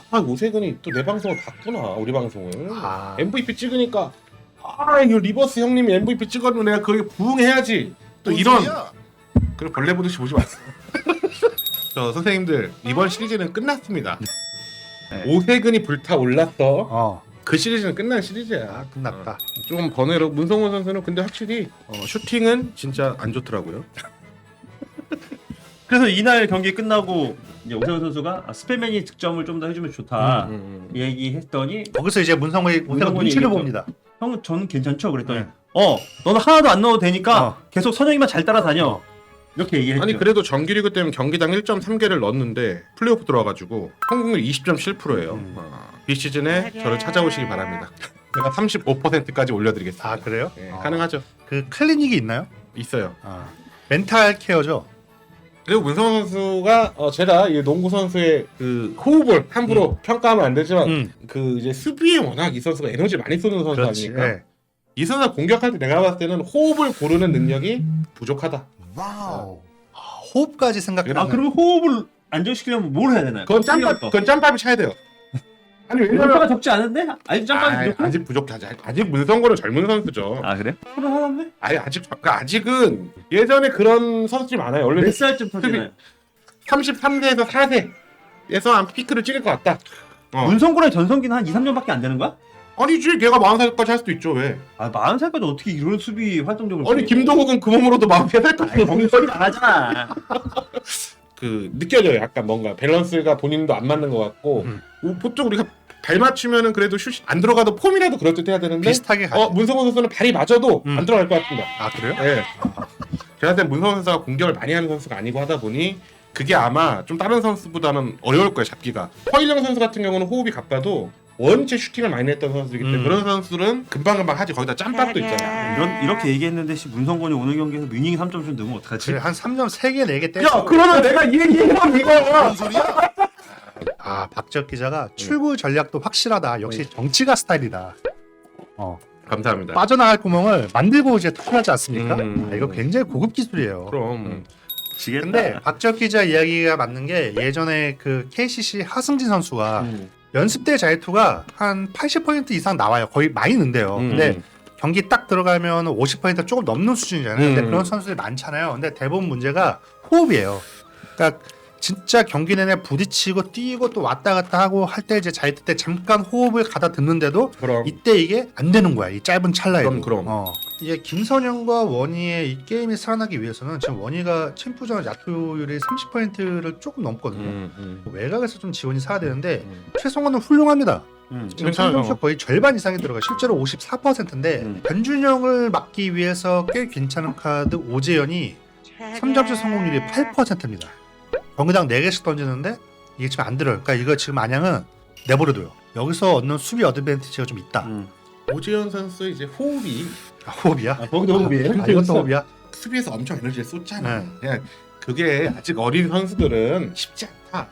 오세근이 또 내 방송을 봤구나. 우리 방송을. MVP 찍으니까 이거 리버스 형님이 MVP 찍어도 내가 거기에 부응해야지. 또 이런. 그리고 벌레 보듯이 보지 마세요. 저 선생님들 이번 시리즈는 끝났습니다. 네. 오세근이 불타올랐어. 어. 그 시리즈는 끝난 시리즈야. 끝났다. 좀 번외로 문성원 선수는 근데 확실히 슈팅은 진짜 안 좋더라고요. 그래서 이날 경기 끝나고 이제 오세훈 선수가 스페맨이 득점을 좀 더 해주면 좋다 얘기했더니 거기서 이제 문성훈이 문성훈이 눈치를 얘기했죠. 봅니다. 형 저는 괜찮죠? 그랬더니 네. 너는 하나도 안 넣어도 되니까 계속 선영이만 잘 따라다녀 이렇게 얘기했죠. 아니 그래도 정규리그 때문에 경기당 1.3개를 넣었는데 플레이오프 들어와가지고 성공률 20.7%예요. 비시즌에 저를 찾아오시기 바랍니다. 제가 35%까지 올려드리겠습니다. 아 그래요? 네, 가능하죠. 그 클리닉이 있나요? 있어요. 멘탈 케어죠. 그리고 문성원 선수가 제가 이 농구 선수의 그 호흡을 함부로 평가하면 안 되지만 그 이제 수비에 워낙 이 선수가 에너지 많이 쏘는 선수 그렇지. 아닙니까? 네. 이 선수가 공격할 때 내가 봤을 때는 호흡을 고르는 능력이 부족하다. 와우. 호흡까지 생각해보면 그러면 호흡을 안정시키려면 뭘 해야 되나요? 그건 짬밥이 차야 돼요. 아니 짬밥가 적지 않은데? 아직 짬밥이 부족해? 아직 부족하지. 아직 문성곤은 젊은 선수죠. 그래? 서른 하나인데? 아니 아직은 예전에 그런 선수들이 많아요. 원래 몇 살쯤 터지나요? 33세에서 4세에서 한 피크를 찍을 것 같다. 문성구랑 전성기는 한 2, 3년밖에 안 되는 거야? 아니지, 걔가 40살까지 할 수도 있죠. 왜? 40살까지 어떻게 이런 수비 활동적으로 아니 김도국은 그 몸으로도 43살까지 정신이 나가잖아. 그 느껴져요. 약간 뭔가 밸런스가 본인도 안 맞는 것 같고 보통 우리가 발 맞추면은 그래도 슛이 안 들어가도 폼이라도 그럴듯해야 되는데 비슷하게 가죠. 문성원 선수는 발이 맞아도 안 들어갈 것 같습니다. 아 그래요? 네. 제가 볼 때 문성원 선수가 공격을 많이 하는 선수가 아니고 하다 보니 그게 아마 좀 다른 선수보다는 어려울 거예요. 잡기가. 허일영 선수 같은 경우는 호흡이 가빠도 원체 슈팅을 많이 했던 선수이기 때문에 그런 선수는 금방금방 하지. 거기다 짬밥도 있잖아. 이렇게 얘기했는데 문성곤이 오늘 경기에서 뮤닝이 3점슛 넣으면 어떡하지? 그래, 한 3점 3개 4개 때려. 야 그러면 내가 이 얘기해봐 이거야. 박지혁 기자가 출구 전략도 확실하다. 역시 정치가 스타일이다. 감사합니다. 빠져나갈 구멍을 만들고 이제 투표하지 않습니까? 이거 굉장히 고급 기술이에요. 그럼 근데 박지혁 기자 이야기가 맞는 게 예전에 그 KCC 하승진 선수가 연습 때 자유투가 한 80% 이상 나와요. 거의 많이 는데요. 근데 경기 딱 들어가면 50% 조금 넘는 수준이잖아요. 근데 그런 선수들이 많잖아요. 근데 대부분 문제가 호흡이에요. 그러니까 진짜 경기 내내 부딪히고 뛰고 또 왔다 갔다 하고 할 때 이제 자유투 때 잠깐 호흡을 가다 듣는데도 이때 이게 안 되는 거야. 이 짧은 찰나에도. 그럼. 이게 김선영과 원희의 이 게임이 살아나기 위해서는 지금 원희가 챔프전 야투율이 30%를 조금 넘거든요. 외곽에서 좀 지원이 사야 되는데 최성원은 훌륭합니다. 지금 성공률 거의 절반 이상이 들어가. 실제로 54%인데 변준영을 막기 위해서 꽤 괜찮은 카드 오재현이 3점슛 성공률이 8%입니다. 경기당 4개씩 던지는데 이게 지금 안 들어요. 그러니까 이거 지금 안양은 내버려둬요. 여기서 얻는 수비 어드밴티지가 좀 있다. 오지현 선수 이제 호흡이 호흡이야? 거기도 호흡이에요? 이것도 호흡이야? 수비에서 엄청 에너지를 쏟잖아. 그냥 그게 아직 어린 선수들은 쉽지 않다.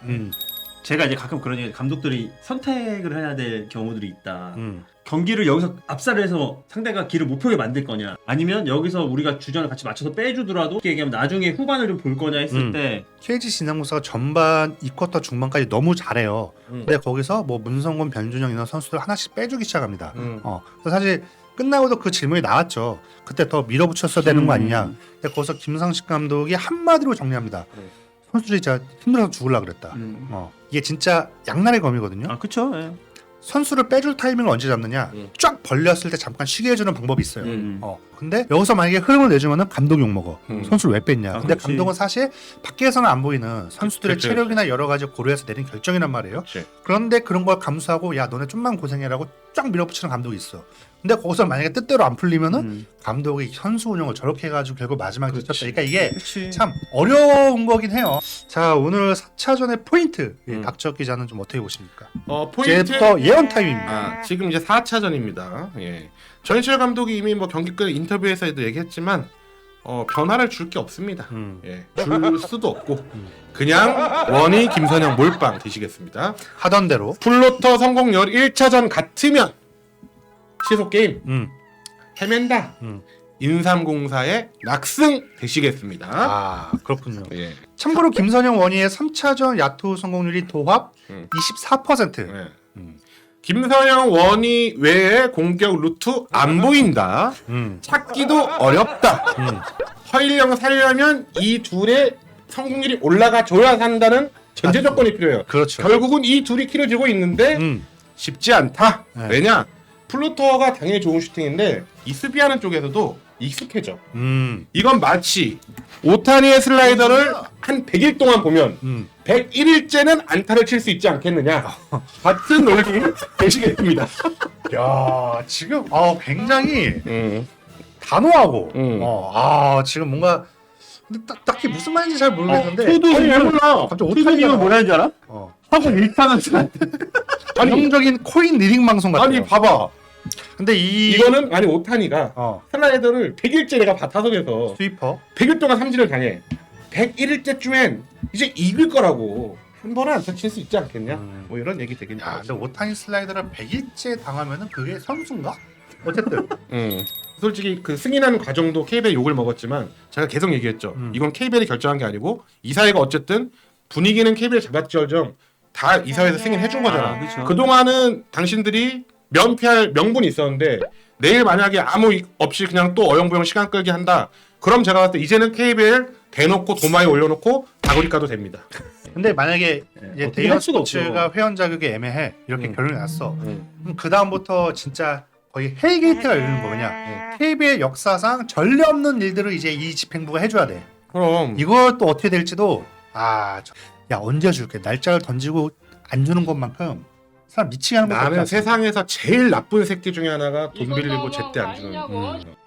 제가 이제 가끔 그런 얘기, 감독들이 선택을 해야 될 경우들이 있다. 경기를 여기서 압살을 해서 상대가 길을 못 펴게 만들 거냐, 아니면 여기서 우리가 주전을 같이 맞춰서 빼주더라도 이렇게 얘기하면 나중에 후반을 좀 볼 거냐 했을 때 KG 진양무사가 전반 2쿼터 중반까지 너무 잘해요. 근데 거기서 뭐 문성곤, 변준영 이런 선수들 하나씩 빼주기 시작합니다. 그래서 사실 끝나고도 그 질문이 나왔죠. 그때 더 밀어붙였어야 되는 거 아니냐. 근데 거기서 김상식 감독이 한마디로 정리합니다. 선수들이 진짜 힘들어서 죽으려 그랬다. 이게 진짜 양날의 검이거든요. 그쵸. 예. 선수를 빼줄 타이밍을 언제 잡느냐. 쫙 벌렸을 때 잠깐 쉬게 해주는 방법이 있어요. 근데 여기서 만약에 흐름을 내주면은 감독 욕먹어. 선수를 왜 뺐냐. 근데 그렇지. 감독은 사실 밖에서는 안 보이는 선수들의 그치. 체력이나 여러 가지 고려해서 내린 결정이란 말이에요. 그치. 그런데 그런 걸 감수하고 야 너네 좀만 고생해라고 쫙 밀어붙이는 감독이 있어. 근데 거기서 만약에 뜻대로 안 풀리면은 감독이 선수 운영을 저렇게 해가지고 결국 마지막에 지쳤다. 그러니까 이게 그치. 참 어려운 거긴 해요. 자 오늘 4차전의 포인트 박지혁 기자는 좀 어떻게 보십니까? 이제부터 예언 타임입니다. 지금 이제 4차전입니다. 예. 전희철 감독이 이미 뭐 경기 끝 인터뷰에서도 얘기했지만 변화를 줄 게 없습니다. 예. 줄 수도 없고 그냥 원희 김선영 몰빵 드시겠습니다. 하던 대로 플로터 성공률 1차전 같으면 시속 게임 헤맨다. 인삼공사의 낙승 되시겠습니다. 아 그렇군요. 예. 참고로 김선영 원희의 3차전 야투 성공률이 도합 24%. 예. 김선영 원희 외에 공격 루트 안 보인다. 찾기도 어렵다. 허일영 살려면 이 둘의 성공률이 올라가줘야 산다는 전제 조건이 필요해요. 그렇죠. 결국은 이 둘이 키워지고 있는데 쉽지 않다. 네. 왜냐? 플루토어가 당연히 좋은 슈팅인데 이 수비하는 쪽에서도 익숙해져. 이건 마치 오타니의 슬라이더를 한 100일 동안 보면 101일째는 안타를 칠 수 있지 않겠느냐. 같은 논리 되시겠습니다. 야 지금 굉장히 단호하고 지금 뭔가 근데 딱히 무슨 말인지 잘 모르겠는데 저도 잘 몰라. 갑자기 오타니가 뭐라는 줄 알아? 하고 일타는 전형적인 코인 리딩 방송 같아요. 아니 봐봐. 근데 이거는 아니 오타니가 슬라이더를 100일째 내가 타석에서 스위퍼 100일 동안 삼진을 당해. 101일째쯤엔 이제 이길 거라고. 한 번은 안타 칠 수 있지 않겠냐? 뭐 이런 얘기 되겠냐. 야, 근데 오타니 슬라이더를 100일째 당하면은 그게 선수인가? 어쨌든 솔직히 그 승인하는 과정도 KBL이 욕을 먹었지만 제가 계속 얘기했죠. 이건 KBL이 결정한 게 아니고 이사회가 어쨌든 분위기는 KBL 잡았지어정 다 이사회에서 승인해 준 거잖아. 그쵸. 그동안은 당신들이 면피할 명분이 있었는데 내일 만약에 아무 없이 그냥 또 어영부영 시간 끌기 한다. 그럼 제가 봤을 때 이제는 KBL 대놓고 도마에 올려놓고 다구리 까도 됩니다. 근데 만약에 이제 어떻게 대형 할 수가 스포츠가 회원 자격이 애매해 이렇게 결론이 났어. 그럼 그 다음부터 진짜 거의 헬게이트가 열리는 거냐? KBL 역사상 전례 없는 일들을 이제 이 집행부가 해줘야 돼. 그럼 이걸 또 어떻게 될지도 야 언제 줄게 날짜를 던지고 안 주는 것만큼 사람 미치게 하는 것도 나는 없지 않습니까? 세상에서 제일 나쁜 새끼 중에 하나가 돈 빌리고 제때 안 주는.